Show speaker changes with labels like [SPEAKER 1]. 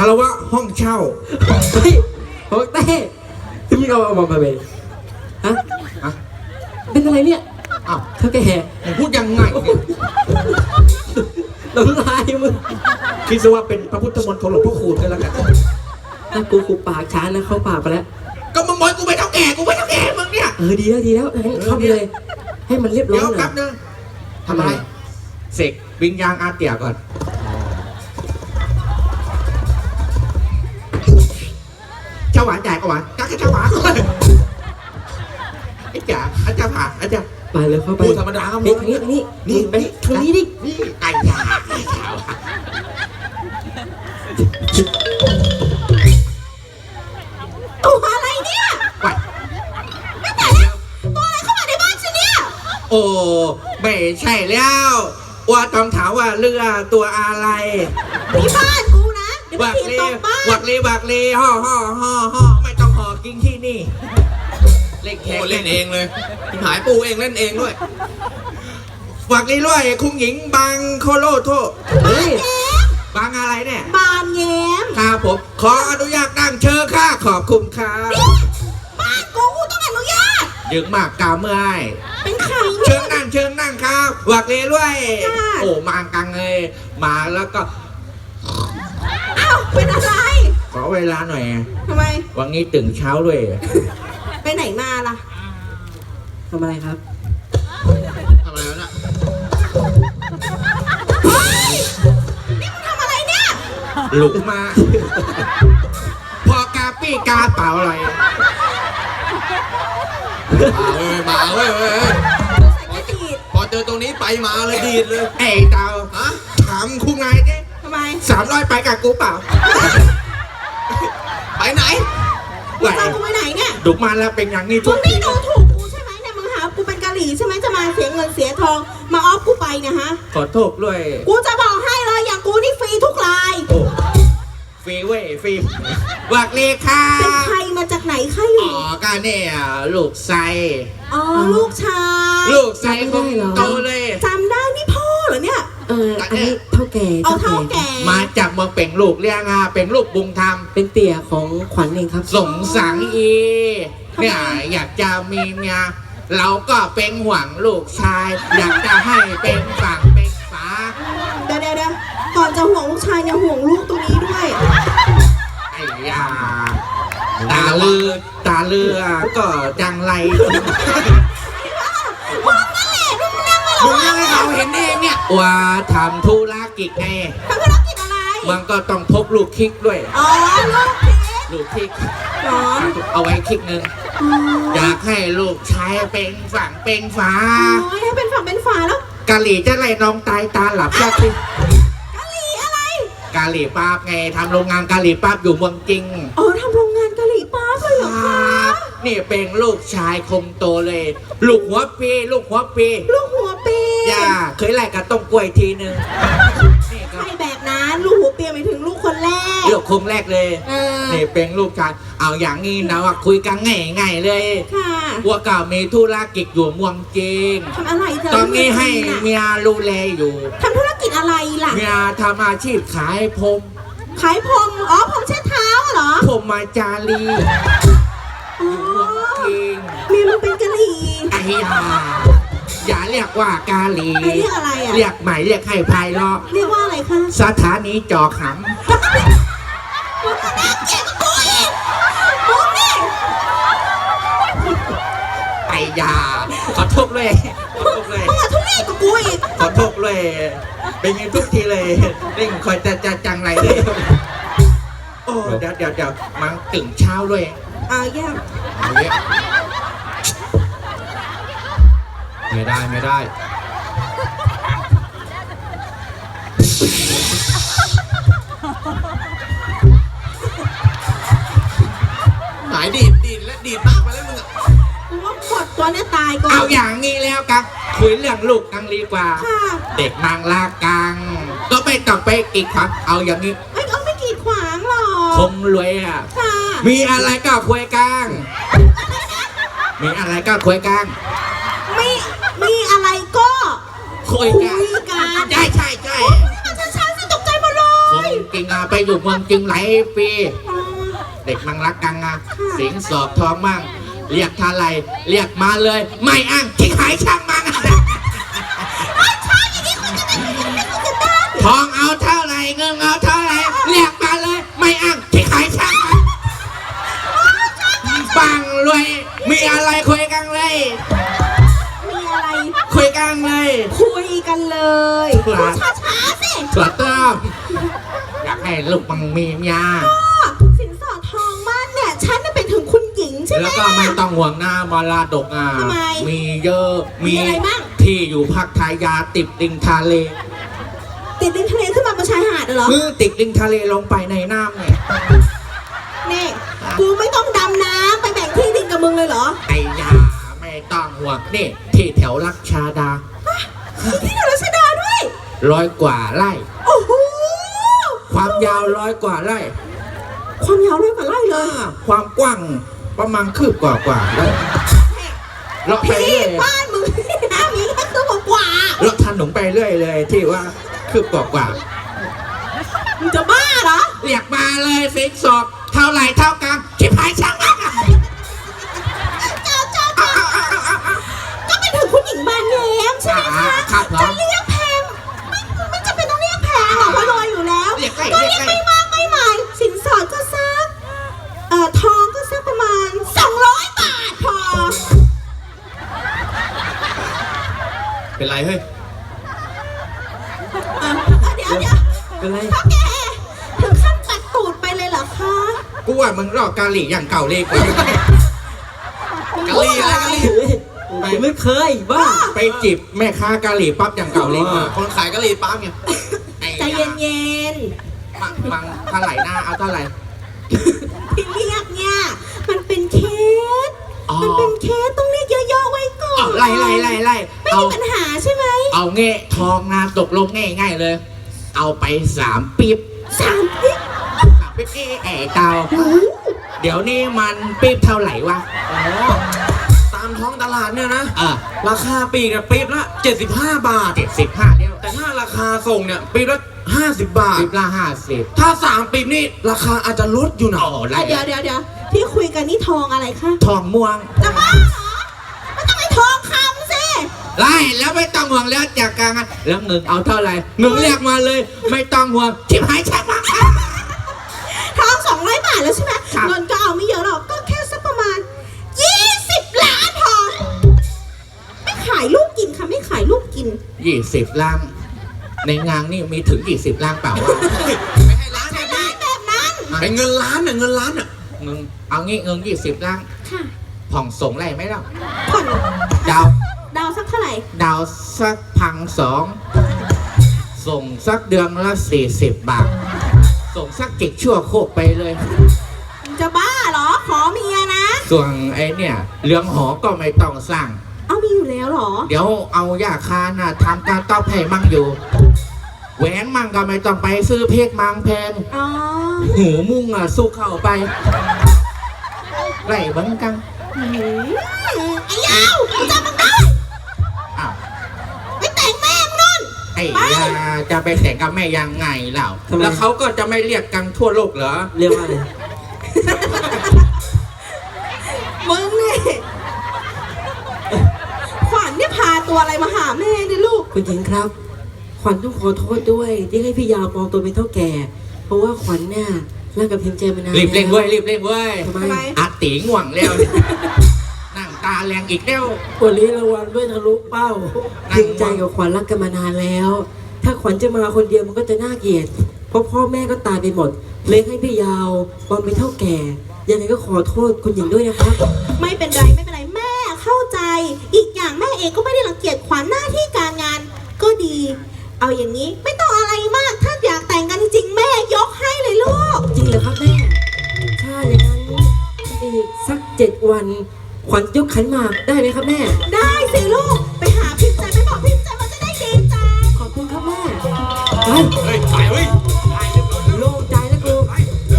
[SPEAKER 1] ารวะห้องเช่า
[SPEAKER 2] เฮ้ยโอ้เต้ที่มึงเอามาเป็นฮะ
[SPEAKER 1] อะ
[SPEAKER 2] เป็นอะไรเนี่ย
[SPEAKER 1] อ้าว
[SPEAKER 2] เท่าแก่
[SPEAKER 1] มึงพูดยังไงเนี่ย
[SPEAKER 2] น้ำลายมึง
[SPEAKER 1] คิดซะว่าเป็นพระพุทธมนต์ของหลวงพ่อคูณกันแล้วกัน
[SPEAKER 2] ถ้ากูปากช้านะเข้าปากไปแล้ว
[SPEAKER 1] ก็มึงบอกกูไปเท่าแก่กูไปเท่าแก่มึงเนี่ย
[SPEAKER 2] ดีแล้วงั้นเข้าไปเลย ให้มันเรียบร้อ
[SPEAKER 1] เดี๋
[SPEAKER 2] ย
[SPEAKER 1] ยว
[SPEAKER 2] หน่
[SPEAKER 1] แป๊
[SPEAKER 2] อบ ย
[SPEAKER 1] นึงทำอะไรเสกวิญญาณอาเตียก่อนเจ้าหวานจ่ายก็หวานกักเจ้าหวานไอ้จ๋าอาจารย์ผ่าอาจารย์
[SPEAKER 2] ไปเลยเข้าไป
[SPEAKER 1] พูดธรรมดาครับ
[SPEAKER 2] นี่ทางนี้นี่ไปทางนี้ดิ
[SPEAKER 1] นี่ไก่ยาไก่ยา
[SPEAKER 3] ตัวอะไรเนี่ย
[SPEAKER 1] ไป
[SPEAKER 3] ไม่แต่แล้วตัวอะไรเข้ามาในบ้านฉันเนี่ย
[SPEAKER 1] โอ้ไม่ใช่แล้วว่าต้องถามว่าเรือตัวอะไร
[SPEAKER 3] ที่บ้านกูนะเดี๋ยวไป
[SPEAKER 1] วัก
[SPEAKER 3] ถีบ
[SPEAKER 1] ลี
[SPEAKER 3] ตกบ้าน
[SPEAKER 1] วักลีห่อไม่ต้องห่อกินที่นี่เล่นแขก
[SPEAKER 4] โอ้เล่นเองเลยหายปูเองเล่นเองด้วย
[SPEAKER 1] วักลีด้วยคุณหญิงบางโคโลโท
[SPEAKER 2] เฮ้ย
[SPEAKER 1] บางอะไรเนี่ย
[SPEAKER 3] บานแย้ม
[SPEAKER 1] ครับผมขออนุญาตนั่งเชิญค่ะขอบคุณครับ
[SPEAKER 3] บ้านกูต้องอนุญาต
[SPEAKER 1] ยึงมากกาเมื่อย
[SPEAKER 3] เป็นใคร
[SPEAKER 1] เชิ
[SPEAKER 3] เนี่ย
[SPEAKER 1] ญนั่งครับวักลีด้วย
[SPEAKER 3] ค่ะ
[SPEAKER 1] โอ้มากังเลยมาแล้วก็
[SPEAKER 3] อ้าวเป็นอะไร
[SPEAKER 1] ขอเวลาหน่อย
[SPEAKER 3] ทำไม
[SPEAKER 1] วันนี้ตื่นเช้าด้วย
[SPEAKER 3] ไปไหนมาล่ะ
[SPEAKER 2] ทำอะไรครับ
[SPEAKER 4] ทำอะไรวะน่ะ
[SPEAKER 3] เฮ้ยนี่มึงทำอะไรเนี่ย
[SPEAKER 1] หลุกมา พอกาปี้กาเปล่าอะไร
[SPEAKER 4] มาเว้ย
[SPEAKER 3] ใส่กระดีด
[SPEAKER 4] พอเจอตรงนี้ไปมาเลยดีดเลย
[SPEAKER 1] ไอ้เตา
[SPEAKER 4] ฮะ
[SPEAKER 1] ถามคุณนายดิ
[SPEAKER 3] ทำไม
[SPEAKER 1] 300ไปกับกูเปล่า
[SPEAKER 4] ไปไหน
[SPEAKER 3] มึงจะเอากูไปไหนเนี่ย
[SPEAKER 1] ดุมาแล้วเป็นอย่างนี้
[SPEAKER 3] มึ
[SPEAKER 1] ทุ
[SPEAKER 3] ง
[SPEAKER 1] ก
[SPEAKER 3] นี่
[SPEAKER 1] ที
[SPEAKER 3] ดูถูกกูใช่ไหมเนี่ยมึงหากูเป็นกะหรี่ใช่ไหมจะมาเสียเงินเสียทองมาออฟกูไปเนี่ยฮะ
[SPEAKER 1] ขอโทษด้วย
[SPEAKER 3] กูจะบอกให้เลยอย่างกูนี่ฟรีทุกราย
[SPEAKER 1] โอ้ฟรีเว้ยฟรีวักเลค่ะ
[SPEAKER 3] เป็นใครมาจากไหนใครอ
[SPEAKER 1] อ๋
[SPEAKER 3] ยู่
[SPEAKER 1] อก็เนี่ยลูกไซ
[SPEAKER 3] อ๋อลูกชาย
[SPEAKER 1] ลูกไซคงโตเลย
[SPEAKER 3] จำได้นี่พ่อเหรอเนี่ย
[SPEAKER 2] อันนี้เท่าแก่
[SPEAKER 3] เอาเท่าแก่
[SPEAKER 1] มาจากเมืองเป็นลูกเลี้ยงอ่ะเป็นลูกบุญธรรม
[SPEAKER 2] เป็นเตี่ยของขวัญเองครับ
[SPEAKER 1] สงสังอีเนี่ยอยากจะมีเมียเราก็เป็นห่วงลูกชาย อยากจะให้เป็นฝั่งเป็นฝา
[SPEAKER 3] เดี๋ยวก่อนจะห่วงลูกชายเนี่ยห่วงลูกตรงนี้ด้วย
[SPEAKER 1] ไอ้ยาตาเลือก็จังไร
[SPEAKER 3] มึงนั่นแหละมึงนั่งไม่หร
[SPEAKER 1] มึ
[SPEAKER 3] อง
[SPEAKER 1] ยังให้เขาเห็นเองเนี่ยว่าทำธุรกิจไง
[SPEAKER 3] ทำธุรกิจอะไร
[SPEAKER 1] มันก็ต้องพกลูกคิกด้วย
[SPEAKER 3] อ๋อลูกเพชร
[SPEAKER 1] ลูกคิก
[SPEAKER 3] เหรอ
[SPEAKER 1] เอาไว้คิกนึง
[SPEAKER 3] อ๋อ
[SPEAKER 1] อยากให้ลูกชายเป็นฝั่งเป็นฝา
[SPEAKER 3] โอ้ยให้เป็นฝั่งเป็นฝาแล้ว
[SPEAKER 1] กะหรี่จะไล่น้องตายตาหลับยากสิ
[SPEAKER 3] กะหรี่อะไร
[SPEAKER 1] กะหรี่ปั๊บไงทำโรงงานกะหรี่ปั๊บอยู่เมืองจริง
[SPEAKER 3] อ๋อทำโรงงานกะหรี่ปั๊บเลยเหรอ
[SPEAKER 1] ค
[SPEAKER 3] คะ
[SPEAKER 1] รับนี่เป็นลูกชายคมโตเลย ลูกหัวปีลูกหัวปี
[SPEAKER 3] ลูกหัวปี
[SPEAKER 1] ย่าเคยไล่กับต้มกล้วยทีนึงนี่ก็
[SPEAKER 3] ใช่แบบนั้นลูกหัวปีหมายถึงลูกคนแรก
[SPEAKER 1] ลูกคงแรกเลย
[SPEAKER 3] เออ
[SPEAKER 1] นี่เป็นลูกชายเอาอย่างนี้นะว่าคุยกันง่ายๆเลย
[SPEAKER 3] ค่ะ
[SPEAKER 1] ว่าก็มีธุรกิจอยู่เมืองจริง
[SPEAKER 3] ทำอะไรเธอ
[SPEAKER 1] ตอนนี้ให้
[SPEAKER 3] น่ะ
[SPEAKER 1] เมียดูแลอยู่
[SPEAKER 3] ทำธุรกิจอะไรล่ะ
[SPEAKER 1] เมียทำอาชีพขายผม
[SPEAKER 3] ขายพรมอ๋อพรมเช็ดเท้าเหรอ
[SPEAKER 1] ผมมาจารี
[SPEAKER 3] อ๋อ
[SPEAKER 1] จริง
[SPEAKER 3] เมียมันเป็นกะหรี่
[SPEAKER 1] ไอ้ยาอย่าเรียกว่ากาลี
[SPEAKER 3] เรียกอะไรอ่ะ
[SPEAKER 1] เรียกใหม่เรียกให้ภายเลาะ
[SPEAKER 3] เรียกว่าอะไรคะ
[SPEAKER 1] สถานีจอข
[SPEAKER 3] มึงก็น่าเกลียดกับกูอีกมึงนี่
[SPEAKER 1] ำไอ้ยาขอโทษเลยขอโทษเลย
[SPEAKER 3] มึงอะทุเรศกับกูอีก
[SPEAKER 1] ขอโทษเลยเป็นอยังทุกทีเลยเร่งคอยจะจังไรเลยโอ้เดี๋ยวมันตื่นเช้าด้วย
[SPEAKER 3] อ่าแย่
[SPEAKER 4] เอาเงี้ยไม่ได้ หายดีดและดีดมากไปแล้วมึงอะ
[SPEAKER 3] กูว่าหมดตัวเนี้ยตายก่อน
[SPEAKER 1] เอาอย่างนี้แล้วกันคุยเรื่องลูกกันดีกว่า
[SPEAKER 3] ค่ะ
[SPEAKER 1] เด็กมังลากัง ก็ไม่ต้องไปกีดขวางเอาอย่างนี้
[SPEAKER 3] ไม่เอาไม่กีดขวางหรอก
[SPEAKER 1] คงรวยอ่ะ
[SPEAKER 3] ค่ะ
[SPEAKER 1] มีอะไรก็คุยกันมีอะไรก็คุยกัน
[SPEAKER 3] ไม่มีอะไรก็
[SPEAKER 1] คุย
[SPEAKER 3] คุ
[SPEAKER 1] กัน
[SPEAKER 3] ยกัน
[SPEAKER 1] ใช่
[SPEAKER 3] ช้าๆสิตกใจหมดเล
[SPEAKER 1] ค
[SPEAKER 3] ย
[SPEAKER 1] งกินอาไปไปอยู่เมืองจริงหลายปี เด็กมังรักกังอะสิงสอบทองมั่งเรียกเท่าไรเรียกมาเลย ไม่อ้างที่หายช่างมังทองเอาเท่าไรเงินเอาเท่าไรเรียกมาเลยไม่อ้างที่หายช่างมังปังรวยมีอะไรคุยกันเลย
[SPEAKER 3] มีอะไร
[SPEAKER 1] คุยกันเลย
[SPEAKER 3] คุยกันเลย
[SPEAKER 1] ครั
[SPEAKER 3] พู
[SPEAKER 1] บ
[SPEAKER 3] ดช้าๆสิ
[SPEAKER 1] ถั่วต้มอยากให้ลูกมังมีเมีย
[SPEAKER 3] สินสอดทองมั่นเนี่ยฉันน่ะเป็นถึงคุณหญิงใช่ไหม
[SPEAKER 1] แล้วก็ไม่ต้องห่วงหน้ามรดกอ่ะ
[SPEAKER 3] ทำไม
[SPEAKER 1] มีเยอะ
[SPEAKER 3] มีอะไรบ้าง
[SPEAKER 1] ที่อยู่ภาคไทยยาติดริมทะเล
[SPEAKER 3] ติดริมทะเลขึ้นมาบนชายหาดเหรอ
[SPEAKER 1] มือติดริมทะเลลงไปในน้ำเนี่ย
[SPEAKER 3] นี่กูไม่ต้องดำน้ำไปแบ่งที่ดินกับมึงเลยเหรอ
[SPEAKER 1] ไอ้ยาไม่ต้องห่วงนี่ที่แถวลักชาดา
[SPEAKER 3] มีที่เดรัชดาด้วย
[SPEAKER 1] 100 กว่าไร่
[SPEAKER 3] โอ้โห
[SPEAKER 1] ความยาว100 กว่าไร่
[SPEAKER 3] ความยาวร้อยกว่าไร่เลย
[SPEAKER 1] ความกว้างประมาณคืบกว่าไร่เลาะไป
[SPEAKER 3] พี่
[SPEAKER 1] เรื่อย
[SPEAKER 3] บ้านมึงนะมีแค่ตัวกว่า
[SPEAKER 1] เลาะถนนไปเรื่อยเลยที่ว่าคืบกว่า
[SPEAKER 3] มึงจะบ้าเหรอ
[SPEAKER 1] เรียกมาเลยสินสอบเท่าไหร่เท่ากันชิบหายช่างมัน
[SPEAKER 3] เจ้าก็เป็นถึงคุณหญิงบานแย้มใช่ไหมคะ
[SPEAKER 1] ครับผม
[SPEAKER 3] จะเรียกแพงไม่จำเป็นต้องเรียกแพงหรอกเพราะรวยอยู่แล้ว
[SPEAKER 1] เรียกใกล้
[SPEAKER 3] ก็
[SPEAKER 1] เรี
[SPEAKER 3] เรี
[SPEAKER 1] ย
[SPEAKER 3] ย
[SPEAKER 1] ก
[SPEAKER 3] ก
[SPEAKER 1] ใกล้
[SPEAKER 3] ไม่มากไม่หมายสินสอดก็ซักทองก็ซักประมาณ200 บาทพอ
[SPEAKER 4] เป็นไรเฮ้ย
[SPEAKER 3] เดี๋ยว
[SPEAKER 2] เป็นไร
[SPEAKER 3] พ่อแกถึงขั้นตัดตูดไปเลยเหรอคะ
[SPEAKER 1] กูว่ามึงรอกกาหลีอย่างเก่าเลยกว่า
[SPEAKER 4] กะหรี่อะไรกะหรี่
[SPEAKER 2] ผมไม่เคยบ้า
[SPEAKER 1] ไปจีบแม่ค้ากาหลีปั๊บอย่างเก่าเลยกว่า
[SPEAKER 4] คนขายกะหรี่ปั๊บไง
[SPEAKER 3] ใจเย็น
[SPEAKER 1] มังเท่าไหร่หน้าเอาเท่าไหร่
[SPEAKER 3] ๆที่เรียกเนี่ยมันเป็นเคส
[SPEAKER 1] อ๋อ
[SPEAKER 3] มันเป็นเคสต้องเรียกย่อๆไว้ก่อน
[SPEAKER 1] ไล่
[SPEAKER 3] ไม่
[SPEAKER 1] เอา
[SPEAKER 3] มีปัญหาใช่ไหม
[SPEAKER 1] เอาเงี้ทองนะตกลงง่ายๆเลย เอาไป3 ปิ๊บ
[SPEAKER 3] 3 ปิ๊บ
[SPEAKER 1] 3 ปิ๊บเอ๋เตาเดี๋ยวนี้มันปิ๊บเท่าไหร่วะ
[SPEAKER 4] อ๋อ ตามท้องตลาดเนี่ยนะ
[SPEAKER 1] ราคา
[SPEAKER 4] ราคาปีกเนี่ยปี๊บละ75 บาท
[SPEAKER 1] 75เดียว
[SPEAKER 4] แต่ถ้าราคาส่งเนี่ยปี๊บละ50 บาท
[SPEAKER 1] ปิ๊บละ50
[SPEAKER 4] ถ้า3ปี๊บนี่ราคาอาจจะลดอยู่นะ
[SPEAKER 1] โอ้ไล่
[SPEAKER 3] เดี๋ยวที่คุยกันนี่ทองอะไรคะ
[SPEAKER 1] ทองม่วง
[SPEAKER 3] จะบ้าเหรอมันต้องไปทองคำสิ
[SPEAKER 1] ไล่แล้วไม่ต้องห่วงแล้วจากการงานแล้วเงินเอาเท่าไหร่เงินเรียกมาเลย ไม่ต้องห่วงชิบหายช่างมัน
[SPEAKER 3] ทอง200 บาทแล้วใช่ไหม
[SPEAKER 1] ครับ
[SPEAKER 3] เงินก็เอาไม่เยอะหรอกก็แค่สักประมาณ20 ล้านพอไม่ขายลูกกินค่ะไม่ขายลูกกิน
[SPEAKER 1] 20 ล้านในงานนี่มีถึง20 ล้านเปล่าวะ
[SPEAKER 4] ไม่ให้ล้านเนี่ย
[SPEAKER 3] ร้านแบบนั้น
[SPEAKER 4] ไอ้เงินล้านน่ะเงินล้านน่ะ
[SPEAKER 1] เงินเอางี้เงิน20 ล้าน
[SPEAKER 3] ค่ะ
[SPEAKER 1] ผ่องส่งไรไหมล่ะ
[SPEAKER 3] ผ่อน
[SPEAKER 1] ดาว
[SPEAKER 3] ดาวสักเท่าไหร่
[SPEAKER 1] ดาวสัก1,200ส่งสักเดือนละ40 บาท ส่งสักจิกชั่วโคกไปเลย
[SPEAKER 3] จะบ้าเหรอ ขอเมียนะ
[SPEAKER 1] ส่วนไอ้เนี่ยเรื่องหอก็ไม่ต้องสร้าง
[SPEAKER 3] เอามีอยู่แล้วเหรอ
[SPEAKER 1] เดี๋ยวเอายาคาน่ะทำการต้อแผ่มั่งอยู่แหวนมั่งก็ไม่ต้องไปซื้อเพกมังแพง
[SPEAKER 3] อ๋อ
[SPEAKER 1] หูมุ่งอ่ะสู้เข้าไปไล่บังกัง
[SPEAKER 3] ไอ้ยาวจำมันได้
[SPEAKER 1] อ้าว
[SPEAKER 3] ไปแต่งแม่งนู่น
[SPEAKER 1] ไอ้ยาจะไปแต่งกับแม่ยังไงเล่า
[SPEAKER 2] ทำไม
[SPEAKER 1] แล้วเขาก็จะไม่เรียกกันทั่วโลกเหรอ
[SPEAKER 2] เรียกว่าอะไร
[SPEAKER 3] มึงนี่ขวัญเนี่ยพาตัวอะไรมาหาแม่เนี่ยลูก
[SPEAKER 2] คุณหญิงครับ ขวัญต้องขอโทษด้วยที่ให้พี่ยาวปลอมตัวเป็นเท่าแก่ เพราะว่าขวัญเนี่ยรักกับพิมพ์ใจมานาน
[SPEAKER 1] รีบเร่ง
[SPEAKER 2] แล้ว
[SPEAKER 1] เว้ยรีบเร่งเว้ย
[SPEAKER 2] ทำไม
[SPEAKER 3] ทำไม
[SPEAKER 1] อาตีง่วงแล้วนั่งตาแรงอีกแล้ว
[SPEAKER 2] วันนี้รางวัลด้วยทะลุเป้าพิมพ์ใจกับขวัญรักกันมานานแล้ว ถ้าขวัญจะมาคนเดียวมันก็จะน่าเกลียดเพราะพ่อแม่ก็ตายไปหมดเลยให้พี่ยาวปลอมเป็นเท่าแก่ยังไงก็ขอโทษคุณหญิงด้วยนะครับ
[SPEAKER 3] ไม่เป็นไรไม่เป็นไรแม่เข้าใจ อีกอย่างแม่เองก็ไม่ได้รังเกียจขวัญหน้าที่การงานก็ดี เอาอย่างนี้ไม่ต้องอะไรมาก ถ้าอยากแต่งกันจริงๆแม่ยกให้เลยลูก
[SPEAKER 2] จริงเหรอครับแม่ถ้าอย่างนั้นอีกสัก7 วัน ขวัญยกขันหมากได้ไหมครับแม่
[SPEAKER 3] ได้